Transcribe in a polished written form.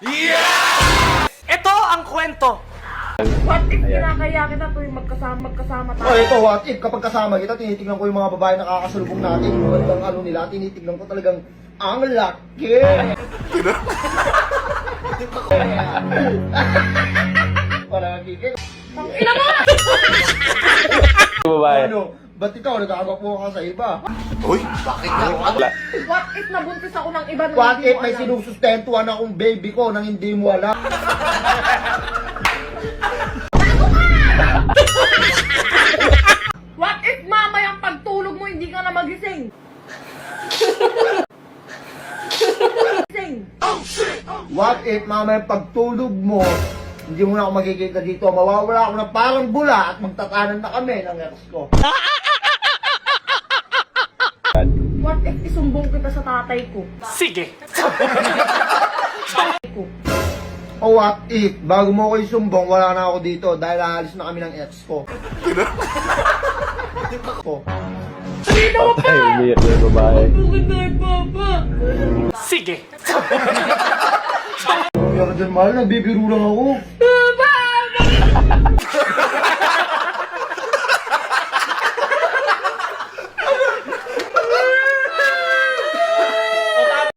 Ito ang kwento. What if kinakaya kita tuwing magkasama tayo? Oh, ito, what if kapag kasama kita, tinitignan ko yung mga babae na kakasalubong natin, yung magandang ano nila, tinitignan ko talagang ang laki. Parang kikil. Ina mo! Babae. Ano? Ba't ikaw nagkakapo ka sa iba? Uy, bakit ka? What if nabuntis ako ng iba na What hindi if mo may alam? sinusustentuhan akong baby ko nang hindi mo alam? What if mamayang pagtulog mo hindi ka na magising? Gising. What if mamaya pagtulog mo, hindi mo na ako makikita dito, mawawala ako ng parang bula at magtatanan na kami ng ex ko. What if isumbong kita sa tatay ko? Sige. Tatay ko. O what if, bago mo ako isumbong, wala na ako dito dahil aalis na kami ng ex ko. Patay, umiyak na yung babae. Bakit tayo, Papa? Sige. Kaya ka dyan, mahal, nagbibiro lang ako.